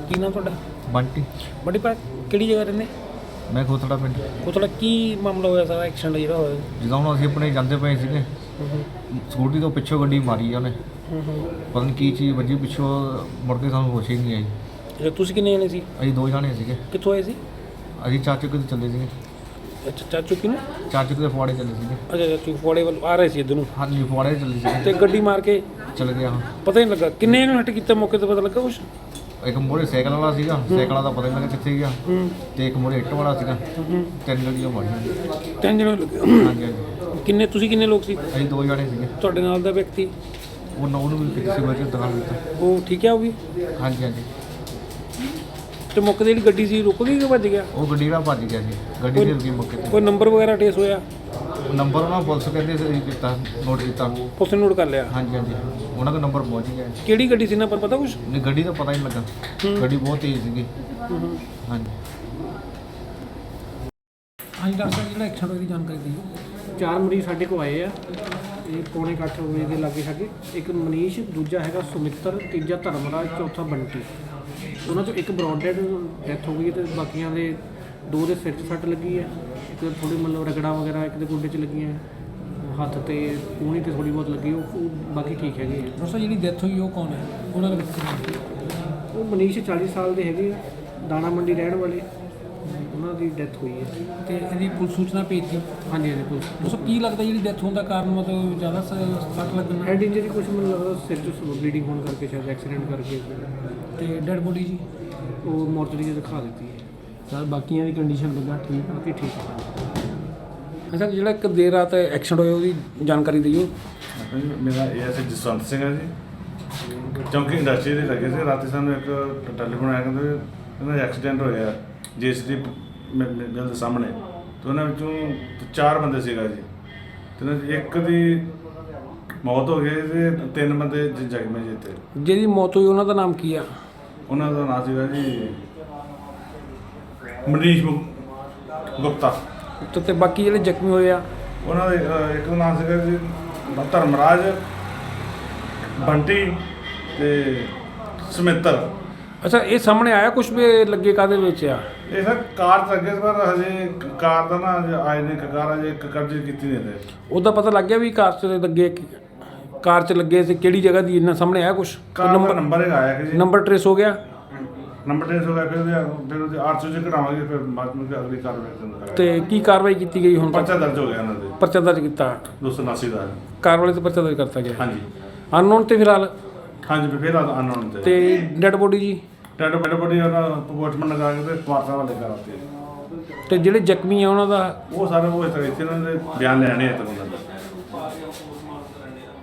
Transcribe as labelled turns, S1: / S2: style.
S1: ਕੀ ਨਾਮ ਤੁਹਾਡਾ?
S2: ਬੰਟੀ।
S1: ਬੜੀ ਪਾ ਕਿਹੜੀ ਜਗ੍ਹਾ ਰਹਿੰਦੇ?
S2: ਮੈਂ ਖੋਤੜਾ ਪਿੰਡ।
S1: ਕੋਤਲਾ ਕੀ ਮਾਮਲਾ ਹੋਇਆ ਸਾਰਾ ਐਕਸੀਡੈਂਟ ਜਿਹੜਾ ਹੋਇਆ?
S2: ਜਿੱਦਾਂ ਹੁਣ ਅਸੀਂ ਆਪਣੇ ਜਾਂਦੇ ਪਏ ਸੀਗੇ, ਸਕੂਟੀ ਤੋਂ ਪਿੱਛੋਂ ਗੱਡੀ ਮਾਰੀ ਆ ਉਹਨੇ। ਪਤਾ ਨਹੀਂ ਕੀ ਚੀਜ਼ ਵੱਜੀ ਪਿੱਛੋਂ, ਮੁੜ ਕੇ ਸਾਨੂੰ ਹੋਸ਼ ਹੀ ਨਹੀਂ ਆਈ।
S1: ਅੱਛਾ, ਤੁਸੀਂ ਕਿੰਨੇ ਜਣੇ ਸੀ?
S2: ਅਸੀਂ 2 ਜਾਣੇ ਸੀਗੇ।
S1: ਕਿੱਥੋਂ ਆਏ ਸੀ?
S2: ਅਸੀਂ ਚਾਚੂ ਕਿਤੇ ਚੱਲੇ ਸੀਗੇ।
S1: ਅੱਛਾ, ਚਾਚੂ ਕਿਨੂੰ?
S2: ਚਾਚੂ ਕਿਤੇ ਫੁਆੜੇ ਚੱਲੇ ਸੀਗੇ।
S1: ਅੱਛਾ, ਚਾਚੂ ਫੋੜੇ ਵੱਲ ਆ ਰਹੇ ਸੀ ਇੱਧਰ ਨੂੰ
S2: ਹਾਂਜੀ, ਫੁਆੜੇ ਚੱਲੇ ਸੀਗੇ
S1: ਤੇ ਗੱਡੀ ਮਾਰ ਕੇ
S2: ਚੱਲ ਗਿਆ।
S1: ਪਤਾ ਹੀ ਨਹੀਂ ਲੱਗਾ ਕਿੰਨੇ ਇਹਨੂੰ ਹਿੱਟ ਕੀਤਾ, ਮੌਕੇ ਤੇ ਪਤਾ ਲੱਗਾ ਕੁਛ?
S2: ਇੱਕ ਮੋਰੇ ਸਾਈਕਲ ਵਾਲਾ ਸੀਗਾ, ਸਾਈਕਲਾਂ ਦਾ ਪਤਾ ਨਹੀਂ ਲੱਗਾ ਕਿੱਥੇ ਗਿਆ। ਤੇ ਇੱਕ ਮੋਰੇ ਇੱਟ ਵਾਲਾ ਸੀਗਾ। 3 ਗੱਡੀਆਂ ਮਾਰੀਆਂ।
S1: 3 ਜਣੇ ਲੱਗੇ?
S2: ਹਾਂਜੀ ਹਾਂਜੀ।
S1: ਕਿੰਨੇ ਤੁਸੀਂ ਕਿੰਨੇ ਲੋਕ ਸੀ?
S2: ਅਸੀਂ 2 ਜਾਣੇ ਸੀਗੇ।
S1: ਤੁਹਾਡੇ ਨਾਲ ਦਾ ਵਿਅਕਤੀ
S2: ਉਹਨੂੰ ਵੀ ਕਿਸੇ ਵਜ੍ਹਾ ਦੁਕਾਨ ਦਿੱਤਾ।
S1: ਉਹ ਠੀਕ ਹੈ? ਉਹ ਵੀ?
S2: ਹਾਂਜੀ ਹਾਂਜੀ।
S1: ਤੇ ਮੌਕੇ ਤੇ ਜਿਹੜੀ ਗੱਡੀ ਸੀ ਰੁਕ ਗਈ ਕਿ ਭੱਜ ਗਿਆ?
S2: ਉਹ ਗੱਡੀ ਨਾਲ ਭੱਜ ਗਿਆ ਸੀ। ਗੱਡੀ ਦੇ ਰੁਕੀ ਮੌਕੇ ਤੇ।
S1: ਕੋਈ ਨੰਬਰ ਵਗੈਰਾ ਟੇਸ ਹੋਇਆ?
S2: ਨੰਬਰ ਉਹਨਾਂ ਪੁਲਿਸ ਕਹਿੰਦੇ ਸੀ ਕੀਤਾ, ਨੋਟ ਕੀਤਾ।
S1: ਪੁਲਿਸ ਨੇ ਨੋਟ ਕਰ ਲਿਆ?
S2: ਹਾਂਜੀ ਹਾਂਜੀ, ਉਹਨਾਂ ਦਾ ਨੰਬਰ ਪਹੁੰਚ ਗਿਆ।
S1: ਕਿਹੜੀ ਗੱਡੀ ਸੀ ਨਾ ਪਰ ਪਤਾ ਕੁਛ?
S2: ਨਹੀਂ, ਗੱਡੀ ਦਾ ਪਤਾ ਹੀ ਨਹੀਂ ਲੱਗਾ। ਗੱਡੀ ਬਹੁਤ ਤੇਜ਼ ਸੀਗੀ। ਹਾਂਜੀ
S1: ਹਾਂਜੀ ਡਾਕਟਰ ਸਾਹਿਬ, ਜਿਹੜਾ ਐਕਸੀਡੈਂਟ ਹੋਇਆ ਦੀ ਜਾਣਕਾਰੀ ਦਿਓ। 4 ਮਰੀਜ਼ ਸਾਡੇ ਕੋਲ ਆਏ ਆ, ਇਹ ਪੌਣੇ 8 ਵਜੇ ਦੇ ਲਾਗੇ ਛਾਗੇ। ਇੱਕ ਮਨੀਸ਼, ਦੂਜਾ ਹੈਗਾ ਸੁਮਿੱਤਰ, ਤੀਜਾ ਧਰਮਰਾਜ, ਚੌਥਾ ਬੰਟੀ। ਉਹਨਾਂ 'ਚੋਂ ਇੱਕ ਬਰੌਡਡ ਡੈਥ ਹੋ ਗਈ ਤੇ ਬਾਕੀਆਂ ਦੇ 2 ਦੇ ਸਿਰ 'ਚ ਸੱਟ ਲੱਗੀ ਹੈ, ਇੱਕ ਥੋੜ੍ਹੀ ਮਤਲਬ ਰਗੜਾ ਵਗੈਰਾ ਇੱਕ ਦੇ ਗੋਡੇ 'ਚ ਲੱਗੀਆਂ, ਹੱਥ ਤੇ ਕੂਹਣੀ ਤੇ ਥੋੜ੍ਹੀ ਬਹੁਤ ਲੱਗੀ। ਉਹ ਬਾਕੀ ਠੀਕ ਹੈਗੇ ਆ। ਦੋਸਤੋ ਜਿਹੜੀ ਡੈਥ ਹੋਈ ਉਹ ਕੌਣ ਹੈ? ਉਹਨਾਂ ਦਾ
S2: ਉਹ ਮਨੀਸ਼ 40 ਸਾਲ ਦੇ ਹੈਗੇ ਆ, ਦਾਣਾ ਮੰਡੀ ਰਹਿਣ ਵਾਲੇ। ਉਹਨਾਂ ਦੀ ਡੈਥ ਹੋਈ ਹੈ।
S1: ਤੇ ਇਹਦੀ ਪੁਲਿਸ ਸੂਚਨਾ ਭੇਜਤੀ?
S2: ਹਾਂਜੀ ਹਾਂਜੀ, ਪੁਲਿਸ।
S1: ਦੋਸਤੋ ਕੀ ਲੱਗਦਾ ਜਿਹੜੀ ਡੈਥ ਹੋਣ ਦਾ ਕਾਰਨ ਮਤਲਬ ਜ਼ਿਆਦਾ ਸੱਟ ਲੱਗਣਾ?
S2: ਹੈਡ ਇੰਜਰੀ ਕੁਛ ਮੈਨੂੰ ਲੱਗਦਾ ਸਿਰ 'ਚ ਬਲੀਡਿੰਗ ਹੋਣ ਕਰਕੇ, ਸ਼ਾਇਦ ਐਕਸੀਡੈਂਟ ਕਰਕੇ।
S1: ਤੇ ਡੈਡ ਬੋਡੀ ਜੀ
S2: ਉਹ ਮੋਰਚਰੀ 'ਚ ਦਿਖਾ ਦਿੱਤੀ ਹੈ।
S1: ਸਰ ਬਾਕੀਆਂ ਦੀ ਕੰਡੀਸ਼ਨ ਲੱਗਾ ਠੀਕ?
S2: ਬਾਕੀ ਠੀਕ ਹੈ।
S1: ਅੱਛਾ, ਜਿਹੜਾ ਇੱਕ ਦੇਰ ਰਾਤ ਐਕਸੀਡੈਂਟ ਹੋਇਆ ਉਹਦੀ ਜਾਣਕਾਰੀ ਦਿਓ।
S3: ਮੇਰਾ ਇਹ ਜਸਵੰਤ ਸਿੰਘ ਹੈ ਜੀ, ਚੌਂਕੀ ਇੰਡਸਟਰੀ ਦੇ ਲੱਗੇ ਸੀ। ਰਾਤੀ ਸਾਨੂੰ ਇੱਕ ਟੈਲੀਫੋਨ ਆਇਆ, ਕਹਿੰਦੇ ਇਹਨਾਂ ਦਾ ਐਕਸੀਡੈਂਟ ਹੋਇਆ ਜੇਸੀਬੀ ਮਿਲ ਦੇ ਸਾਹਮਣੇ। ਤੇ ਉਹਨਾਂ ਵਿੱਚੋਂ 4 ਬੰਦੇ ਸੀਗਾ ਜੀ, ਤੇ ਉਹਨਾਂ 'ਚ ਇੱਕ ਦੀ ਮੌਤ ਹੋ ਗਈ ਤੇ 3 ਬੰਦੇ ਜ਼ਖਮੀ ਜੀ। ਤੇ
S1: ਜਿਹਦੀ ਮੌਤ ਹੋਈ ਉਹਨਾਂ ਦਾ ਨਾਮ ਕੀ ਆ?
S3: ਉਹਨਾਂ ਦਾ ਨਾਮ ਸੀਗਾ ਜੀ ਮਨੀਸ਼ ਗੁਪਤਾ।
S1: ਤੇ ਬਾਕੀ ਜਿਹੜੇ ਜ਼ਖਮੀ ਹੋਏ ਆ?
S3: ਉਹਨਾਂ ਦੇ ਇੱਕ ਦਾ ਨਾਮ ਸੀਗਾ ਜੀ ਧਰਮਰਾਜ, ਬੰਟੀ ਤੇ ਸੁਮਿੱਤਰ।
S1: ਅੱਛਾ, ਇਹ ਸਾਹਮਣੇ ਆਇਆ ਕੁਝ ਵੀ ਲੱਗੇ ਕਾਹਦੇ ਵਿੱਚ ਆ?
S3: ਇਹ ਸਰ ਕਾਰ 'ਚ ਲੱਗੇ ਸੀ, ਪਰ ਹਜੇ ਕਾਰ ਦਾ ਨਾ ਆਏ ਨੇ, ਕਾਰ ਅਜੇ ਕਬਜ਼ੇ ਕੀਤੀ ਨਹੀਂ ਤੇ।
S1: ਉਹਦਾ ਪਤਾ ਲੱਗ ਗਿਆ ਵੀ ਕਾਰ 'ਚ ਲੱਗੇ, ਕਾਰ 'ਚ ਲੱਗੇ ਸੀ ਕਿਹੜੀ ਜਗ੍ਹਾ ਦੀ? ਇਹਨਾਂ ਸਾਹਮਣੇ ਆਇਆ ਕੁਛ?
S3: ਨੰਬਰ ਇੱਕ ਆਇਆ ਕਿ ਜੀ,
S1: ਨੰਬਰ ਟ੍ਰੇਸ ਹੋ ਗਿਆ?
S3: ਨੰਬਰ ਟ੍ਰੇਸ ਹੋ ਗਿਆ। ਫਿਰ ਉਹਦੇ 800 ਚ ਕਢਾਵਾਂਗੇ, ਫਿਰ ਬਾਅਦ ਵਿੱਚ ਅਗਲੀ ਕਾਰਵਾਈ ਕਰਾਂਗੇ।
S1: ਤੇ ਕੀ ਕਾਰਵਾਈ ਕੀਤੀ ਗਈ ਹੁਣ ਤੱਕ?
S3: ਪਰਚਾ ਦਰਜ ਹੋ ਗਿਆ ਇਹਨਾਂ ਦੇ,
S1: ਪਰਚਾ ਦਰਜ ਕੀਤਾ?
S3: 279 ਦਾ।
S1: ਕਾਰ ਵਾਲੇ ਤੇ ਪਰਚਾ ਦਰਜ ਕਰਤਾ ਗਿਆ?
S3: ਹਾਂਜੀ
S1: ਅਨਨੋਨ ਤੇ ਫਿਲਹਾਲ?
S3: ਹਾਂਜੀ, ਫਿਰ ਅਨਨੋਨ ਤੇ।
S1: ਤੇ ਡੈਡ ਬੋਡੀ ਜੀ?
S3: ਡੈਡ ਬੋਡੀ ਉਹਨਾਂ ਪੋਸਟਮਾਰਟਮ ਲਗਾ ਕੇ ਤੇ ਵਾਰਸਾਂ ਵਾਲੇ ਕਰਾਤੇ।
S1: ਤੇ ਜਿਹੜੇ ਜ਼ਖਮੀ ਆ ਉਹਨਾਂ ਦਾ?
S3: ਉਹ ਸਾਰੇ ਉਹ ਇਸ ਤਰ੍ਹਾਂ ਇੱਥੇ ਇਹਨਾਂ ਦੇ ਬਿਆਨ ਲੈਣੇ ਆ ਤੇ ਉਹਨਾਂ ਦਾ।